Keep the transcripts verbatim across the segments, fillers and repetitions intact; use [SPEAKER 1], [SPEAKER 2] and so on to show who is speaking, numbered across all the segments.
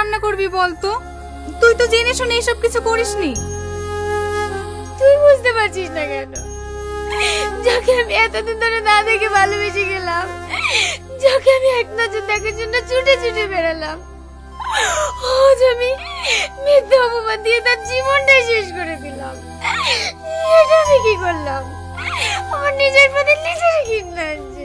[SPEAKER 1] রান্না করবি বলতো? তুই তো জেনে শুনে এসব কিছু করিসনি।
[SPEAKER 2] তুই বুঝতে পারছিস না কেন? যাকে আমি এতদিন ধরে না দেখে ভালোবেসে গেলাম, যাকে আমি এক নজর দেখার জন্য ছুটে ছুটে বেড়ালাম, আজ আমি মিথ্যে অপবাদ দিয়ে তার জীবনটাই শেষ করে দিলাম। এটা আমি কি করলাম? আমার নিজের প্রতি নিজের ঘৃণা আছে।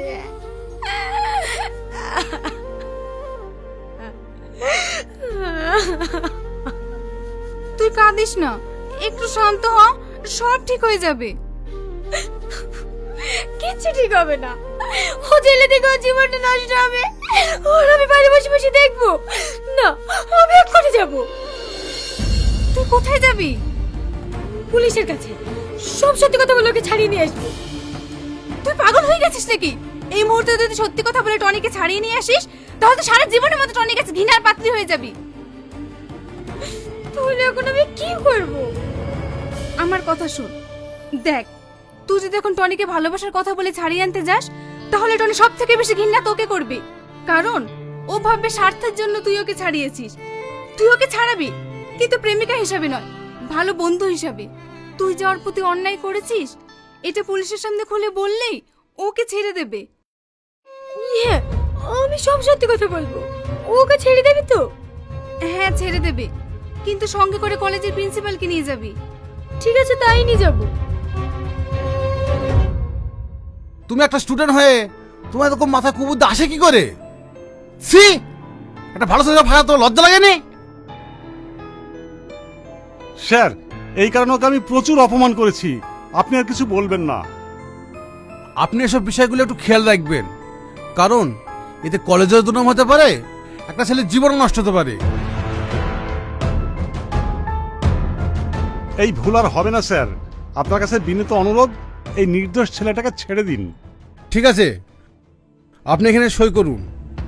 [SPEAKER 1] তুই কাঁদিস না, একটু শান্ত হ, সব ঠিক হয়ে যাবে।
[SPEAKER 2] কিচ্ছু ঠিক হবে না। ও জেলে থেকে ওর জীবনটা নষ্ট হবে, ওর আমি বাড়ি বসে বসে দেখবো না। আমি এক্ষুনি যাবো।
[SPEAKER 1] তুই কোথায় যাবি?
[SPEAKER 2] পুলিশের কাছে সব সত্যি কথা বলে ওকে ছাড়িয়ে নিয়ে আসবো।
[SPEAKER 1] তুই পাগল হয়ে গেছিস নাকি? এই মুহূর্তে যদি সত্যি কথা বলে টনিকে ছাড়িয়ে নিয়ে আসিস, তাহলে তো সারা জীবনের মতো টনির কাছে ঘৃণার পাত্রী হয়ে যাবি।
[SPEAKER 2] তাহলে এখন আমি কি করবো?
[SPEAKER 1] আমার কথা শোন, দেখ, তুই যদি এখন টনিকে ভালোবাসার কথা বলে ছাড়িয়ে আনতে যাস, তাহলে টনি সব থেকে বেশি ঘৃণা তোকে করবে। কারণ ও ভাববে স্বার্থের জন্য তুই ওকে ছাড়িয়েছিস। তুই ওকে ছাড়াবি, কিন্তু প্রেমিকা হিসাবে নয়, ভালো বন্ধু হিসাবে। তুই যে ওর প্রতি অন্যায় করেছিস, এটা পুলিশের সামনে খুলে বললেই ওকে ছেড়ে দেবে।
[SPEAKER 2] হ্যাঁ, আমি সব সত্যি কথা বলবো। ওকে ছেড়ে দেবে তো?
[SPEAKER 1] হ্যাঁ, ছেড়ে দেবে, কিন্তু সঙ্গে করে কলেজের প্রিন্সিপালকে নিয়ে যাবি।
[SPEAKER 2] ঠিক আছে, তাই নিয়ে যাবো।
[SPEAKER 3] তুমি একটা স্টুডেন্ট হয়ে তোমার এরকম মাথা কুবুদ্দা আসে কি করে? সি, একটা ভালো ছেলে ভাড়া তো লজ্জা লাগেনি?
[SPEAKER 4] স্যার, এই কারণে ওকে আমি প্রচুর অপমান করেছি। আপনি আর কিছু বলবেন না।
[SPEAKER 3] আপনি এসব বিষয়গুলো একটু খেয়াল রাখবেন, কারণ এতে কলেজের দুর্নাম হতে পারে, একটা ছেলের জীবন নষ্ট হতে পারে।
[SPEAKER 4] এই ভুল আর হবে না স্যার। আপনার কাছে বিনীত অনুরোধ, এই নির্দোষ ছেলেটাকে ছেড়ে দিন।
[SPEAKER 3] ঠিক আছে, আপনি এখানে সই করুন।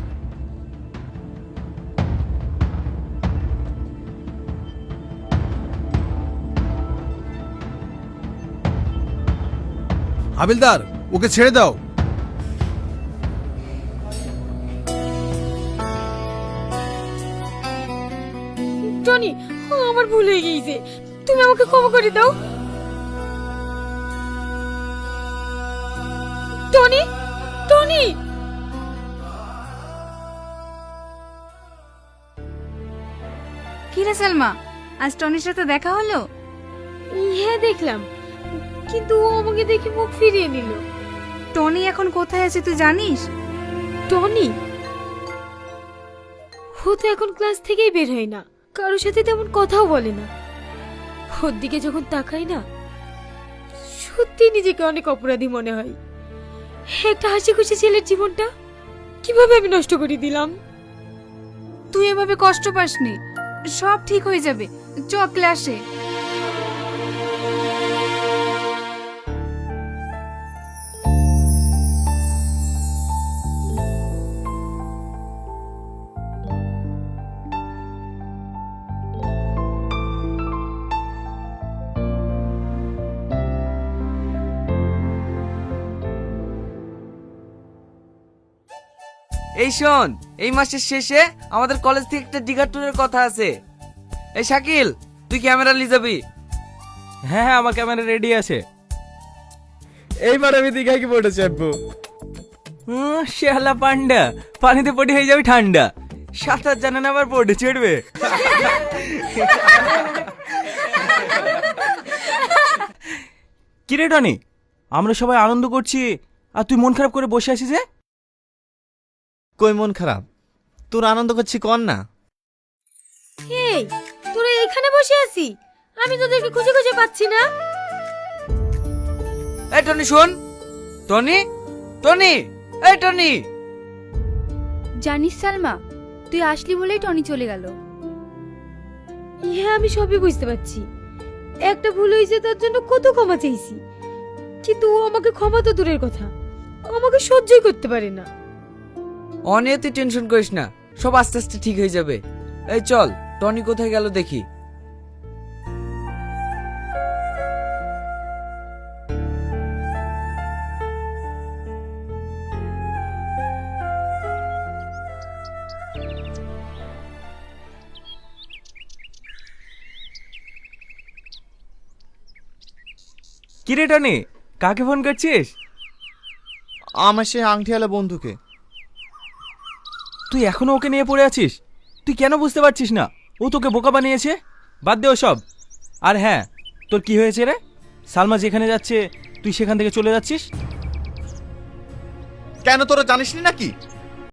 [SPEAKER 3] হাবিলদার, ওকে ছেড়ে দাও।
[SPEAKER 2] টনি, আমার ভুল হয়ে গিয়েছে, তুমি আমাকে ক্ষমা করে দাও। Tony, Tony.
[SPEAKER 1] কি রে সালমা, আজ টনির সাথে দেখা হলো?
[SPEAKER 2] হ্যাঁ, দেখলাম, কিন্তু ও আমাকে দেখে মুখ ফিরিয়ে নিল।
[SPEAKER 1] টনি এখন কোথায় আছে তুই জানিস?
[SPEAKER 2] টনি ও তো এখন ক্লাস থেকেই বের হয় না, কারোর সাথে তেমন কথাও বলে না। ওর দিকে যখন তাকাই না, সত্যি নিজেকে অনেক অপরাধী মনে হয়। একটা হাসি খুশি ছেলের জীবনটা কিভাবে আমি নষ্ট করে দিলাম।
[SPEAKER 1] তুই এভাবে কষ্ট পাসনি, সব ঠিক হয়ে যাবে। চ ক্লাসে।
[SPEAKER 5] এই শোন, এই মাসের শেষে আমাদের কলেজ থেকে একটা দিঘা ট্যুরের কথা আছে। এই শাকিল, তুই ক্যামেরা নিয়ে যাবি?
[SPEAKER 6] হ্যাঁ হ্যাঁ, আমার ক্যামেরা রেডি আছে। এইবার আমি দীঘায় কি পড়ে চাপবো? শেহালা পান্ডা, পানিতে পড়ে হয়ে যাবে ঠান্ডা। সাঁতার জানে না, আবার পড়ে চড়বে। কিরে টনি, আমরা সবাই আনন্দ করছি আর তুই মন খারাপ করে বসে আছিস যে?
[SPEAKER 7] কই মন খারাপ? তোর আনন্দ করছি কর না।
[SPEAKER 2] এই, তোরা এখানে বসে আছি, আমি তোদেরকে খুঁজে খুঁজে পাচ্ছি না।
[SPEAKER 5] এই টনি শোন, টনি, টনি, এই টনি।
[SPEAKER 1] জানিস সালমা, তুই আসলি বলেই টনি চলে গেল।
[SPEAKER 2] হ্যাঁ, আমি সবই বুঝতে পারছি। একটা ভুল হয়েছে, তার জন্য কত ক্ষমা চাইছি, কিন্তু ও আমাকে ক্ষমা তো দূরের কথা, আমাকে সহ্যই করতে পারে না।
[SPEAKER 5] অনেক তুই টেনশন করিস না, সব আস্তে আস্তে ঠিক হয়ে যাবে। এই চল, টনি কোথায় গেল দেখি।
[SPEAKER 6] কি রে টনি, কাকে ফোন করছিস?
[SPEAKER 7] আমার সেই আংটিওয়ালা বন্ধুকে।
[SPEAKER 6] তুই এখনো ওকে নিয়ে পড়ে আছিস? তুই কেন বুঝতে পারছিস না ও তোকে বোকা বানিয়েছে? বাদ দে সব। আর হ্যাঁ, তোর কি হয়েছে রে? সালমা যেখানে যাচ্ছে তুই সেখান থেকে চলে যাচ্ছিস?
[SPEAKER 7] কেন তোরা জানিস নি নাকি